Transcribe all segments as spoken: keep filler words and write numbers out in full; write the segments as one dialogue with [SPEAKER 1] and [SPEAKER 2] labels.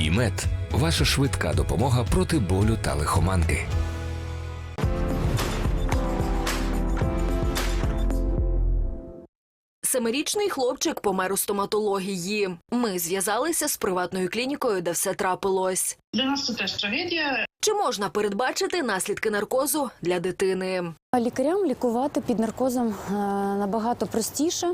[SPEAKER 1] ІМЕД – ваша швидка допомога проти болю та лихоманки.
[SPEAKER 2] Семирічний хлопчик помер у стоматології. Ми зв'язалися з приватною клінікою, де все трапилось.
[SPEAKER 3] Для нас це теж трагедія.
[SPEAKER 2] Чи можна передбачити наслідки наркозу для дитини?
[SPEAKER 4] Лікарям лікувати під наркозом набагато простіше.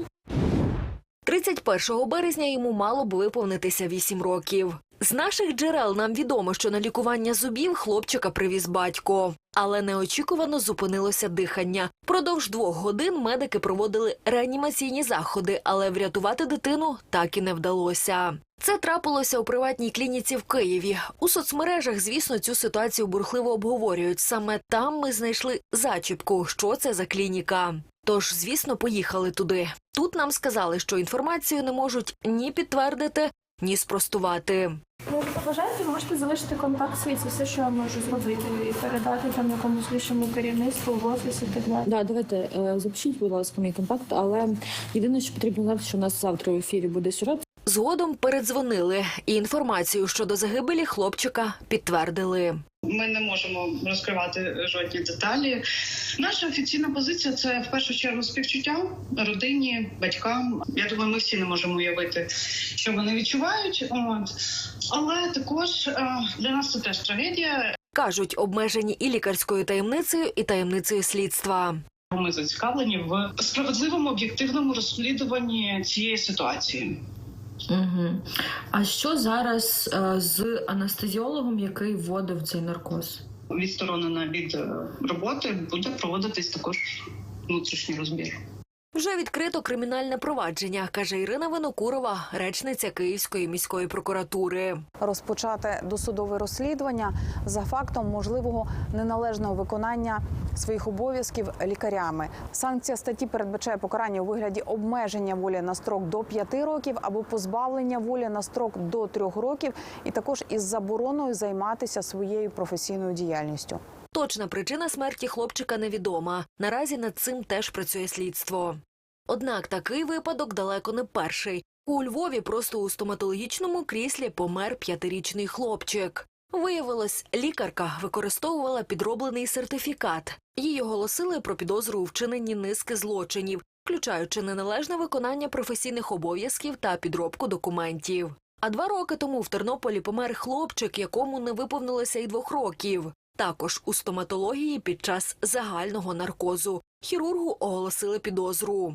[SPEAKER 2] тридцять першого березня йому мало б виповнитися вісім років. З наших джерел нам відомо, що на лікування зубів хлопчика привіз батько. Але неочікувано зупинилося дихання. Продовж двох годин медики проводили реанімаційні заходи, але врятувати дитину так і не вдалося. Це трапилося у приватній клініці в Києві. У соцмережах, звісно, цю ситуацію бурхливо обговорюють. Саме там ми знайшли зачіпку, що це за клініка. Тож, звісно, поїхали туди. Тут нам сказали, що інформацію не можуть ні підтвердити, ні спростувати.
[SPEAKER 5] Ну, як побажаєте, можете залишити контакт свій, це все, що я можу зробити, і передати там якомусь вищому керівництву, в офіс і так далі.
[SPEAKER 6] Да, давайте е, запишіть, будь ласка, мій контакт, але єдине, що потрібно знати, що у нас завтра в ефірі буде сюжет.
[SPEAKER 2] Згодом передзвонили і інформацію щодо загибелі хлопчика підтвердили.
[SPEAKER 3] Ми не можемо розкривати жодні деталі. Наша офіційна позиція – це в першу чергу співчуття родині, батькам. Я думаю, ми всі не можемо уявити, що вони відчувають. От. Але також для нас це теж трагедія.
[SPEAKER 2] Кажуть, обмежені і лікарською таємницею, і таємницею слідства.
[SPEAKER 3] Ми зацікавлені в справедливому, об'єктивному розслідуванні цієї ситуації.
[SPEAKER 6] Угу. А що зараз е, з анестезіологом, який вводив цей наркоз?
[SPEAKER 3] Відсторонена від роботи буде проводитись також внутрішній розбір.
[SPEAKER 2] Вже відкрито кримінальне провадження, каже Ірина Винокурова, речниця Київської міської прокуратури.
[SPEAKER 7] Розпочати досудове розслідування за фактом можливого неналежного виконання своїх обов'язків лікарями. Санкція статті передбачає покарання у вигляді обмеження волі на строк до п'яти років або позбавлення волі на строк до трьох років, і також із забороною займатися своєю професійною діяльністю.
[SPEAKER 2] Точна причина смерті хлопчика невідома. Наразі над цим теж працює слідство. Однак такий випадок далеко не перший. У Львові просто у стоматологічному кріслі помер п'ятирічний хлопчик. Виявилось, лікарка використовувала підроблений сертифікат. Їй оголосили про підозру у вчиненні низки злочинів, включаючи неналежне виконання професійних обов'язків та підробку документів. А два роки тому в Тернополі помер хлопчик, якому не виповнилося й двох років. Також у стоматології під час загального наркозу. Хірургу оголосили підозру.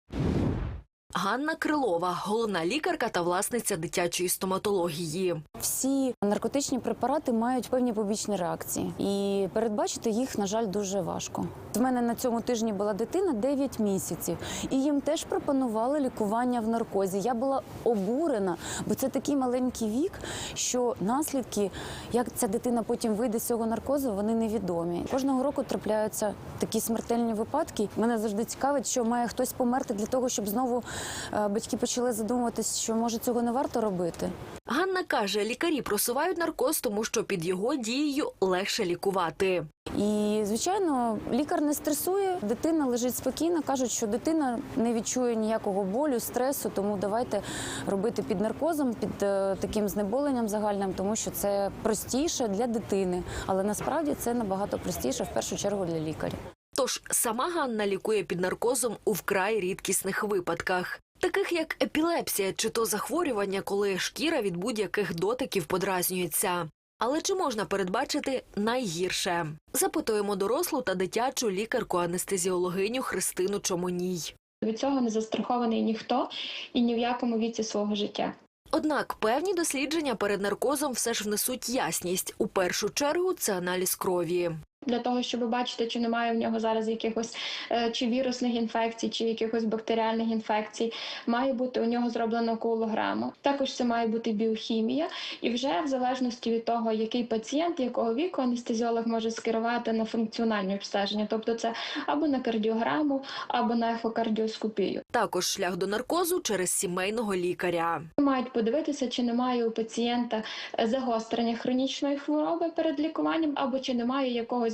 [SPEAKER 2] Ганна Крилова – головна лікарка та власниця дитячої стоматології.
[SPEAKER 4] Всі наркотичні препарати мають певні побічні реакції. І передбачити їх, на жаль, дуже важко. В мене на цьому тижні була дитина дев'ять місяців. І їм теж пропонували лікування в наркозі. Я була обурена, бо це такий маленький вік, що наслідки, як ця дитина потім вийде з цього наркозу, вони невідомі. Кожного року трапляються такі смертельні випадки. Мене завжди цікавить, що має хтось померти для того, щоб знову батьки почали задумуватись, що, може, цього не варто робити.
[SPEAKER 2] Ганна каже, лікарі просувають наркоз, тому що під його дією легше лікувати.
[SPEAKER 4] І, звичайно, лікар не стресує, дитина лежить спокійно, кажуть, що дитина не відчує ніякого болю, стресу, тому давайте робити під наркозом, під е, таким знеболенням загальним, тому що це простіше для дитини. Але насправді це набагато простіше, в першу чергу, для лікаря.
[SPEAKER 2] Тож сама Ганна лікує під наркозом у вкрай рідкісних випадках. Таких як епілепсія чи то захворювання, коли шкіра від будь-яких дотиків подразнюється. Але чи можна передбачити найгірше? Запитуємо дорослу та дитячу лікарку-анестезіологиню Христину Чомоній.
[SPEAKER 5] Від цього не застрахований ніхто і ні в якому віці свого життя.
[SPEAKER 2] Однак певні дослідження перед наркозом все ж внесуть ясність. У першу чергу це аналіз крові.
[SPEAKER 5] Для того, щоб бачити, чи немає в нього зараз якихось чи вірусних інфекцій, чи якихось бактеріальних інфекцій, має бути у нього зроблено коагулограма. Також це має бути біохімія. І вже в залежності від того, який пацієнт, якого віку, анестезіолог може скерувати на функціональне обстеження. Тобто це або на кардіограму, або на ехокардіоскопію.
[SPEAKER 2] Також шлях до наркозу через сімейного лікаря.
[SPEAKER 5] Мають подивитися, чи немає у пацієнта загострення хронічної хвороби перед лікуванням, або чи немає якогось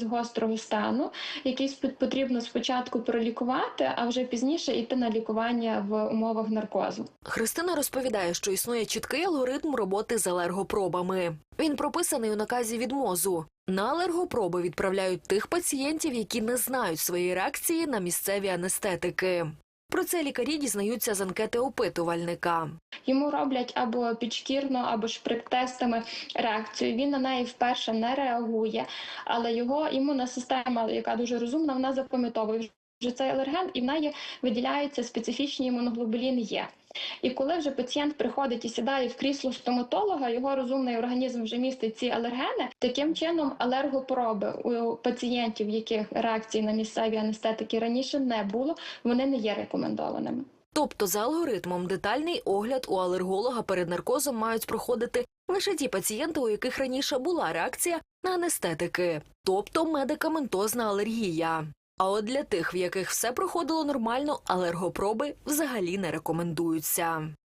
[SPEAKER 5] якогось гострого стану, який спо- потрібно спочатку пролікувати, а вже пізніше йти на лікування в умовах наркозу.
[SPEAKER 2] Христина розповідає, що існує чіткий алгоритм роботи з алергопробами. Він прописаний у наказі від МОЗу. На алергопроби відправляють тих пацієнтів, які не знають своєї реакції на місцеві анестетики. Про це лікарі дізнаються з анкети опитувальника.
[SPEAKER 5] Йому роблять або підшкірно, або шприк-тестами реакцію. Він на неї вперше не реагує, але його імунна система, яка дуже розумна, вона запам'ятовує вже цей алерген, і в неї виділяються специфічні імуноглобулін Е. І коли вже пацієнт приходить і сідає в крісло стоматолога, його розумний організм вже містить ці алергени. Таким чином, алергопроби у пацієнтів, яких реакції на місцеві анестетики раніше не було, вони не є рекомендованими.
[SPEAKER 2] Тобто за алгоритмом детальний огляд у алерголога перед наркозом мають проходити лише ті пацієнти, у яких раніше була реакція на анестетики, тобто медикаментозна алергія. А от для тих, в яких все проходило нормально, алергопроби взагалі не рекомендуються.